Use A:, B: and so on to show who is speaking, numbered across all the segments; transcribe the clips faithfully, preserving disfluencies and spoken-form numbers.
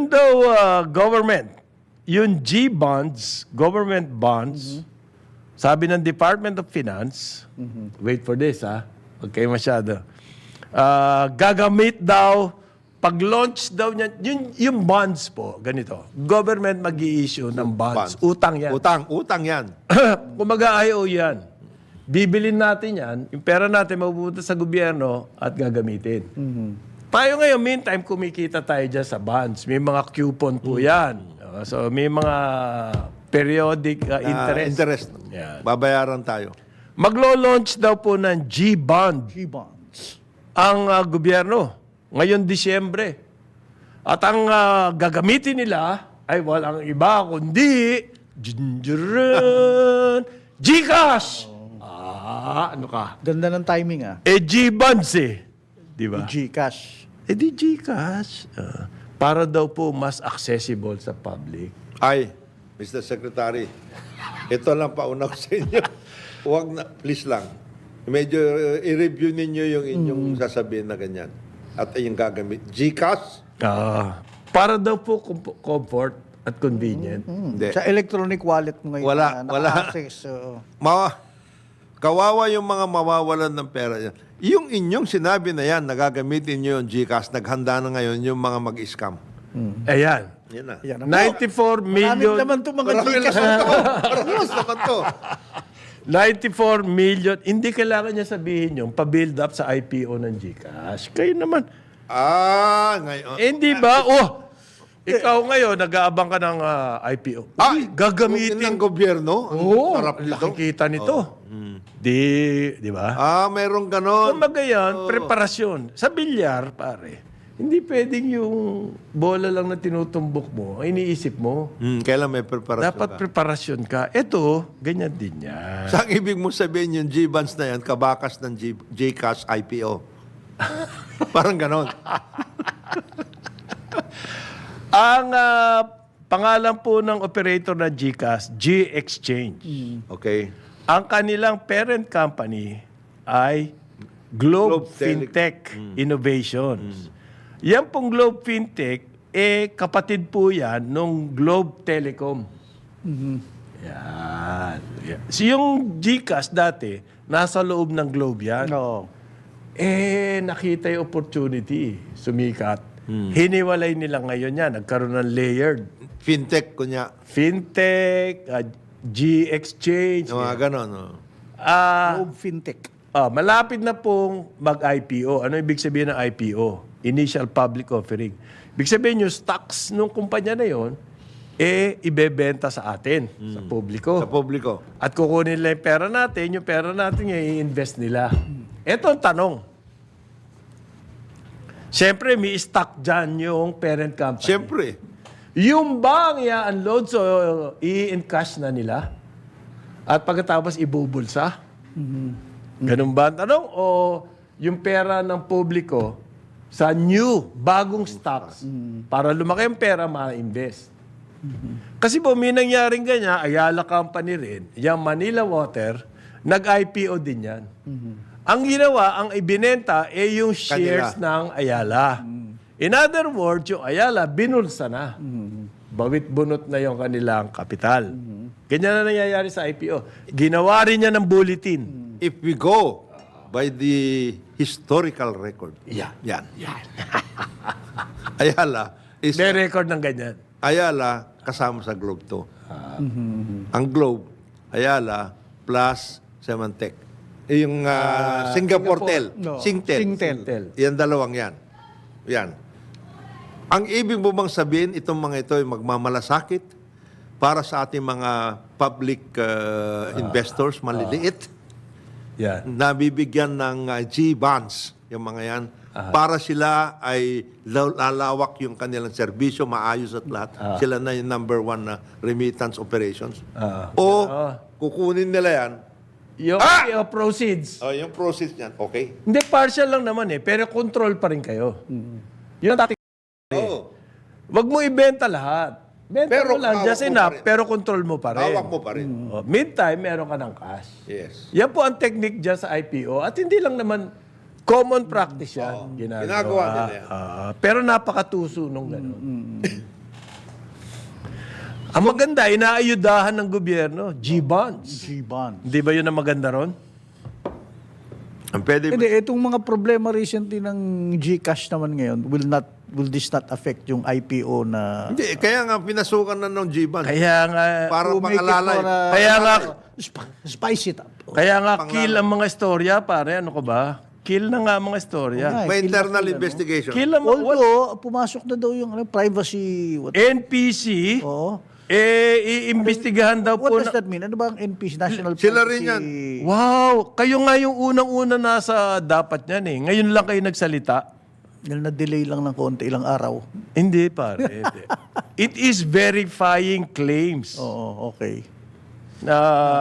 A: Yun daw, uh, government, yung G-bonds, government bonds, sabi ng Department of Finance, wait for this ha, huwag kayo masyado, uh, gagamit daw, pag-launch daw niya, yung, yung bonds po, ganito, government mag-i-issue ng bonds,
B: Bonds.
A: utang yan.
B: Utang, utang yan.
A: Kumaga I O yan. Bibilin natin yan, yung pera natin mapupunta sa gobyerno at gagamitin. Tayo ngayon, meantime, kumikita tayo dyan sa bonds. May mga coupon po yan. Uh, So, may mga periodic uh,
B: Ah,
A: interest.
B: interest.
A: Yan.
B: Babayaran tayo.
A: Maglo-launch daw po ng G-bond
C: G-bonds.
A: ang uh, gobyerno ngayon Disyembre. At ang uh, gagamitin nila ay walang iba kundi Jinjirin, Gcash! Ah, ano ka?
C: Ganda ng timing ah.
A: Eh, G-bonds eh. Di ba?
C: Gcash.
A: Eh di Gcash. Ah, para daw po mas accessible sa public.
B: Ay, Mister Secretary, ito lang pauna ko sa inyo. Huwag na, please lang. Medyo uh, i-review ninyo yung inyong sasabihin na ganyan. At yung gagamit. Gcash?
A: Ah, para daw po com- comfort at convenient.
B: Hindi.
C: Sa electronic wallet mo ngayon.
B: Wala,
C: na
B: wala.
C: naka-access, oo.
B: Ma kawawa yung mga mawawalan ng pera yan. Yung inyong sinabi na yan, nagagamitin nyo yung Gcash, naghanda na ngayon yung mga mag-scam.
A: Ayan.
B: Yan na.
C: Yan ang-
A: ninety-four
C: Maraming
A: million.
C: naman itong mga
B: Marami
C: Gcash.
B: naman to. Marami naman to.
A: ninety-four million. Hindi kailangan niya sabihin yung pa-build up sa I P O ng Gcash. Kayo naman.
B: Ah, ngayon.
A: Eh, hindi ba? Oh, ikaw ngayon, nag-aabang ka ng ah, I P O.
B: Ah,
A: Uy, gagamitin.
B: ng gobyerno. Ang
A: Oo,
B: sarap nito.
A: nakikita nito. Di, di ba?
B: Ah, meron ganon.
A: Kumbaga yan, preparasyon. Sa bilyar, pare, hindi pwedeng yung bola lang na tinutumbok mo, ang iniisip mo.
B: Hmm, kailan may preparasyon
A: Dapat
B: ka?
A: preparasyon ka. Ito, ganyan din yan.
B: Saan ibig mo sabihin yung G-bonds na yan, kabakas ng G- Gcash I P O? Parang ganon.
A: Ang ah, pangalan po ng operator ng Gcash, G-Exchange.
B: Okay.
A: Ang kanilang parent company ay Globe,
B: Globe Tele-
A: Fintech Innovations. Yan pong Globe Fintech, eh kapatid po yan nung Globe Telecom. Yan. Yan. So yung Gcash dati, nasa loob ng Globe yan.
C: Oo.
A: Eh, nakita yung opportunity. Sumikat. Hiniwalay nila ngayon yan. Nagkaroon ng layered.
B: Fintech, kunya.
A: Fintech, uh, G-Exchange.
B: Yung mga ganon. Oh.
A: Ah,
C: Globe Fintech.
A: ah, malapit na pong mag-I P O. Ano ibig sabihin ng I P O? Initial Public Offering. Ibig sabihin yung stocks ng kumpanya na yon, eh, ibebenta sa atin, sa publiko.
B: Sa publiko.
A: At kukunin nila yung pera natin, yung pera natin yung i-invest nila. Ito ang tanong. Siyempre, may stock dyan yung parent company.
B: Siyempre.
A: Yung bang i-unload, so i-encash na nila? At pagkatapos ibubulsa? Ganun ba ang tanong? O yung pera ng publiko sa new, bagong stocks para lumaki ang pera, ma-invest? Kasi po, may nangyaring ganyan, Ayala Company rin, yung Manila Water, nag-I P O din yan. Ang ginawa, ang ibinenta, eh yung shares ng Ayala. In other words, yung Ayala, binulsa na. Bawit-bunot na yung kanilang kapital. Ganyan na nangyayari sa I P O. Ginawa rin niya ng bulletin.
B: If we go by the historical record.
A: Yan.
B: Yan. Ayala is
A: May record ng ganyan.
B: Ayala kasama sa Globe to. Ang Globe, Ayala plus Symantec. Eh, yung ah, Singapore, Tel.
C: No,
B: Singtel.
C: Singtel.
A: Tel.
B: Yan dalawang yan. Yan. Ang ibig mo bang sabihin, itong mga ito ay magmamalasakit para sa ating mga public uh, investors, maliliit,
A: Yan.
B: nabibigyan ng uh, G-bonds, yung mga yan, para sila ay law- lalawak yung kanilang serbisyo, maayos at lahat. Sila na yung number one na remittance operations.
A: Ah.
B: O
A: Ah.
B: kukunin nila yan,
A: Yung
B: Ah!
A: I P O proceeds.
B: o yung process niyan, okay?
A: Hindi, partial lang naman eh. Pero control pa rin kayo. Yun ang dati.
B: Oo.
A: Wag mo ibenta lahat. Benta
B: Pero
A: mo lang,
B: hawak
A: just
B: mo
A: enough,
B: pa rin.
A: pero control mo pa rin.
B: Hawak mo pa rin.
A: Oh, meantime, meron ka ng cash.
B: Yes.
A: Yan po ang technique dyan sa I P O. At hindi lang naman common practice yan.
B: Oo. Ginagawa nila yan.
A: Ah, pero napakatuso nung gano'n. Ang maganda, inaayudahan ng gobyerno, G-bonds.
C: G-bond.
A: Hindi ba yun ang maganda ron?
B: Ang pwede,
C: Hindi, itong mga problema recently ng GCash naman ngayon, will not will this not affect yung I P O na...
B: hindi, kaya nga pinasukan na ng G-Ban.
A: Kaya nga,
B: Para
C: to make it
B: pangalalay.
C: for, uh,
A: Kaya nga,
C: sp- spice it up.
A: kaya nga kill ang mga istorya, pare. Ano ko ba? Kill na nga ang mga istorya.
C: Okay.
B: May
C: Kill na
B: internal
C: kill, ano?
B: investigation.
A: Kill ang mga...
C: Although, pumasok na daw yung ano, privacy... What,
A: N P C,
C: Oo.
A: eh, iimbestigahan daw
C: What
A: po
C: does
A: na...
C: that mean? Ano ba ang N P C? National
B: Sila
C: Privacy...
B: rin yan.
A: Wow! Kayo nga yung unang-una nasa dapat niyan eh. Ngayon lang kayo nagsalita.
C: Dahil na-delay lang ng konti, ilang araw.
A: Hindi, pare. Hindi. It is verifying claims
C: Oo, okay.
A: na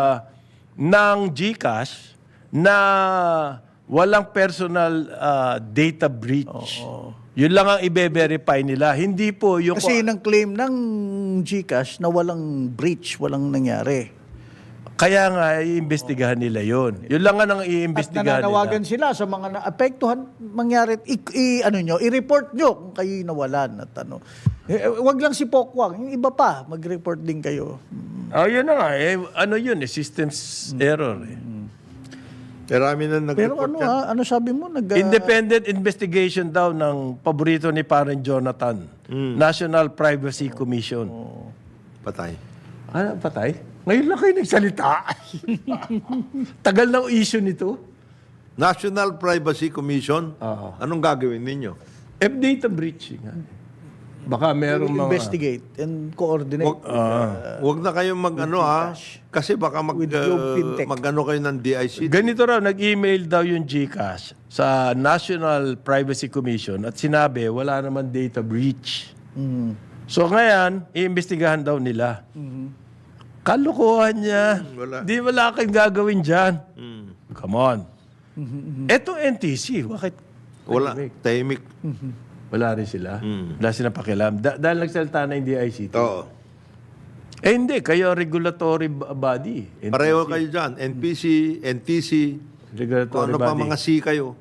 A: ng GCash na walang personal ah, data breach. Yun lang ang i-verify nila. Hindi po yung...
C: Kasi ng claim ng GCash na walang breach, walang nangyari.
A: Kaya nga, iimbestigahan nila yon. Yun lang nga ang
C: At
A: iimbestigahan
C: nananawagan
A: nila.
C: sila sa mga naapektuhan mangyari, i, i- ano nyo, i-report nyo kung kayo nawalan at ano. Eh, wag lang si Pokwang, yung iba pa, mag-report din kayo.
A: Oh, yun na nga. Eh, ano yun eh, systems error eh.
B: Marami na
C: Pero
B: nag-report
C: ano
B: yan.
C: ha, ano sabi mo? Nag, ah,
A: Independent investigation daw ng paborito ni Parang Jonathan. National Privacy Commission.
B: Patay.
A: Ano, patay? Ngayon lang kayo nagsalita. Tagal ng issue nito.
B: National Privacy Commission,
A: Oo.
B: anong gagawin ninyo?
A: F-data breaching. Ha? Baka merong
C: will
A: mga...
C: investigate and coordinate.
B: Wag, wag na kayong mag-ano ha, kasi baka mag,
C: With Globe
B: uh,
C: Fintech.
B: mag-ano kayo ng D I C.
A: Ganito raw, nag-email daw yung GCash sa National Privacy Commission at sinabi, wala naman data breach.
C: Mm.
A: So ngayon, iimbestigahan daw nila. Kalokohan niya.
B: wala.
A: Di wala kang gagawin dyan.
B: Mm.
A: Come on. Etong N T C, bakit
B: Wala, tahimik.
A: wala rin sila? Wala silang pakialam. Da- dahil nagsalita na yung D I C T.
B: Oo.
A: Eh hindi, kayo regulatory b- body. N-
B: Pareho kayo dyan. N P C, N T C, kung
A: regulatory
B: ano pa
A: body.
B: mga C kayo.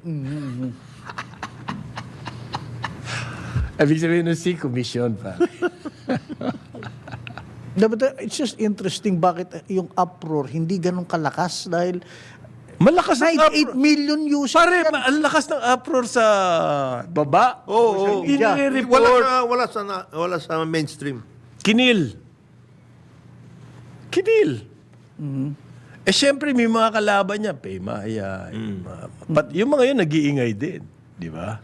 A: Ibig sabihin ng C, commission pa.
C: But uh, it's just interesting bakit yung uproar hindi ganun kalakas dahil
A: Malakas ang
C: ninety-eight
A: uproar.
C: million users.
A: Pare, ma- ang lakas ng uproar sa baba.
B: Oo, oo.
A: Ini-report.
B: Wala sa, wala sa, na- wala sa mainstream.
A: Kinil. Kinil. Eh, syempre, may mga kalaban niya. Pay Maya. Yung, mga, pat, yung mga yun, nag-iingay din. Di ba?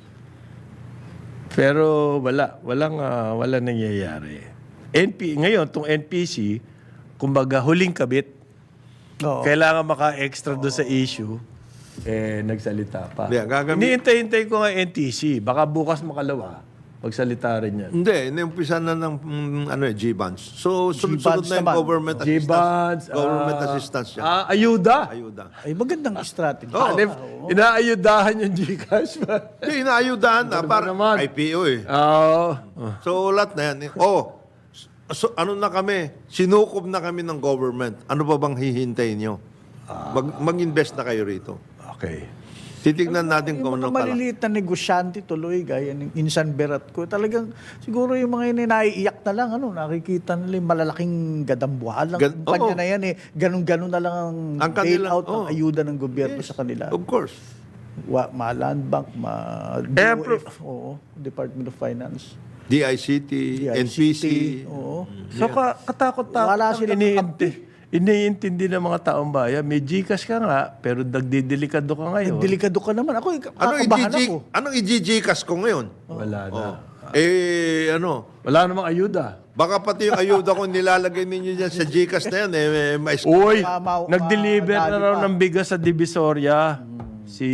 A: Pero wala. Walang, ah, walang nangyayari. N P, ngayon, itong N P C, kumbaga, huling kabit.
C: Oo.
A: Kailangan maka-extra doon sa issue. Eh, nagsalita pa.
B: Yeah, gagamit-
A: Iniintay-hintay ko nga N T C. Baka bukas makalawa. Magsalita rin yan.
B: Hindi, inumpisa na ng mm, ano, eh, G-bonds. So, sunod-sunod
C: G-bonds
B: na yung
C: naman.
B: government assistance.
A: G-bonds.
B: Government
A: ah,
B: assistance yan.
A: ah, ayuda.
B: Ayuda.
C: Ay magandang strategy.
B: Oo.
A: Ano, inaayudahan yung Gcash ba?
B: Hindi, inaayudahan na. Para
A: naman?
B: I P O eh.
A: Oo.
B: So, lahat na yan. Oh, so, ano na kami? Sinukob na kami ng government. Ano pa bang hihintayin nyo? Mag, mag-invest na kayo rito.
A: Okay.
B: Titignan natin
C: Yung
B: kung
C: mga
B: ano pala.
C: maliliit na negosyante tuloy, gaya ng Insan Berat ko, talagang siguro yung mga yun, naiiyak na lang, ano, nakikita nila yung malalaking gadambuhalang
B: Gan-
C: kumpanya
B: oo.
C: na yan eh. Ganun-ganun na lang ang,
B: Ang kanila-
C: bailout ng
B: oo.
C: ayuda ng gobyerno sa kanila.
B: Of course.
C: Wa, ma-Land Bank, ma
A: Eh,
C: D O F,
A: pro-
C: oo, Department of Finance.
B: D I C T, N P C.
C: Oo.
A: So, ka- katakot-takot
C: Wala
A: ang
C: silang
A: iniinti. Iniintindi ng mga taong bayan. May Gcash ka nga, pero nagdidelikado ka ngayon.
C: Delikado ka naman. Ako,
B: Anong
C: kakabahan
B: i-G
C: ako.
B: Anong i-G-Gcas ko ngayon?
A: Wala na.
B: Eh, ano?
A: Wala namang ayuda.
B: Baka pati yung ayuda ko nilalagay ninyo dyan sa Gcash na yan, eh, eh, mais-
A: Uy,
C: Ma- ma-
A: nag-deliver
C: ma-
A: na
C: dali
A: raw
C: pa.
A: ng bigas sa Divisoria. Si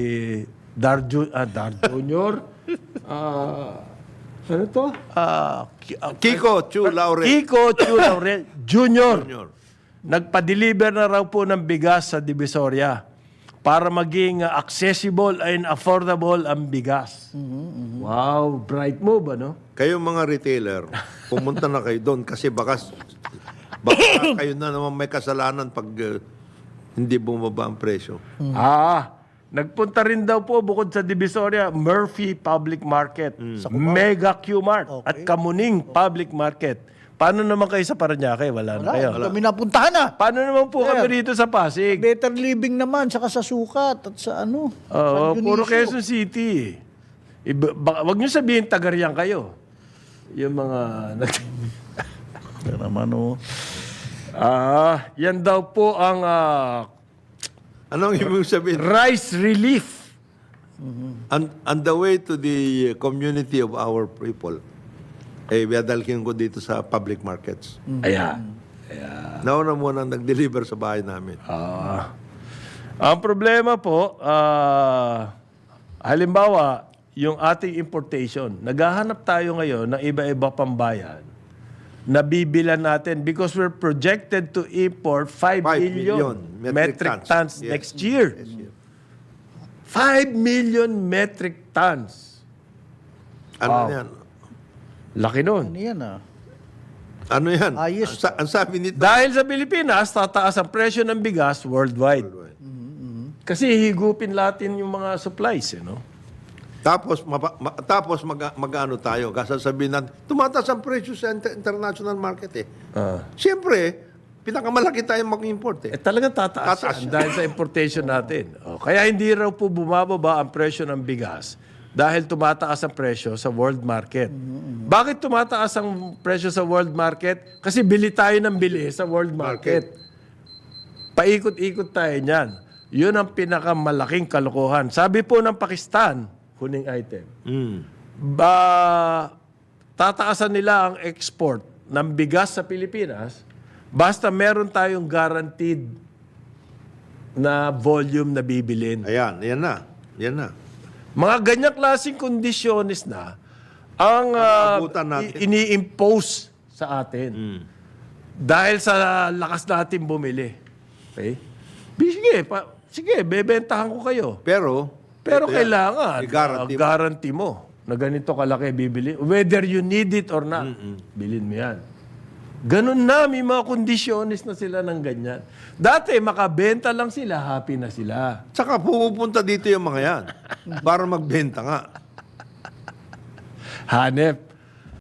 A: Darjo, ah, Dar Junior. Ah, ano to? Ah, Ki- ah,
B: Kiko, Chu, Laurel.
A: Kiko Chu Laurel Junior.
B: Junior.
A: Nagpa-deliver na raw po ng bigas sa Divisoria para maging uh, accessible and affordable ang bigas. Wow, bright move, ano?
B: Kayo mga retailer, pumunta na kayo doon kasi baka, baka kayo na naman may kasalanan pag uh, hindi bumaba ang presyo.
A: Ah, nagpunta rin daw po bukod sa Divisoria, Murphy Public Market, Mega Q-Mart at Kamuning Public Market Paano naman kayo sa Parañaque? Wala, na
C: Wala,
A: kayo.
C: hindi kami napuntahan na.
A: Paano naman po
C: Sir.
A: kami rito sa Pasig?
C: Better living naman, saka sa Sukat at sa ano.
A: Oo,
C: San
A: puro
C: Dionisio.
A: Quezon City. Iba, baka, wag niyo sabihin Tagariang kayo. Yung mga...
C: Ito naman oh.
A: Ah, yan daw po ang ah,
B: Anong ibig sabihin?
A: rice relief.
B: On, on the way to the community of our people, eh, dadalhin ko dito sa public markets.
A: Ayan.
B: Nauna muna nag-deliver sa bahay namin.
A: Ah. Ang problema po, ah, halimbawa, yung ating importation, naghahanap tayo ngayon ng iba-iba pang bayan na bibilan natin because we're projected to import five
B: Five
A: million,
B: million
A: metric,
B: metric
A: tons,
B: tons. Yes.
A: next year. five million metric tons.
B: Ano
A: Wow.
B: yan?
A: Laki nun.
C: Ano yan ah?
B: Ano yan?
C: Ayos.
B: Ang, sa- ang sabi nito,
A: Dahil sa Pilipinas, tataas ang presyo ng bigas worldwide. Kasi higupin natin yung mga supplies, you know?
B: tapos mapa, ma, tapos mag, mag-ano tayo, kasasabihin natin, tumataas ang presyo sa inter- international market eh.
A: Ah.
B: Siyempre, pinakamalaki tayong mag-import eh.
A: Eh talagang tataas,
B: Tataas
A: yan dahil sa importation natin. O, kaya hindi raw po bumababa ang presyo ng bigas dahil tumataas ang presyo sa world market. Bakit tumataas ang presyo sa world market? Kasi bili tayo ng bili sa world market. Paikot-ikot tayo niyan. Yun ang pinakamalaking kalokohan. Sabi po ng Pakistan, huling item,
B: Mm.
A: ba, tataasan nila ang export ng bigas sa Pilipinas basta meron tayong guaranteed na volume na bibilin.
B: Ayan, yan na. Yan na.
A: Mga ganyang klaseng kondisyones na ang ah,
B: Pag-aabutan natin.
A: i- ini-impose sa atin. Dahil sa lakas natin bumili. Okay? Sige, pa, sige, bebentahan ko kayo.
B: Pero,
A: Pero
B: ito yan.
A: kailangan,
B: I-guarantee
A: uh, guarantee mo na ganito kalaki bibili. Whether you need it or not, bilhin mo yan. Ganun na, may mga kondisyones na sila ng ganyan. Dati, makabenta lang sila, happy na sila.
B: Tsaka pupunta dito yung mga yan para magbenta nga.
A: Hanep,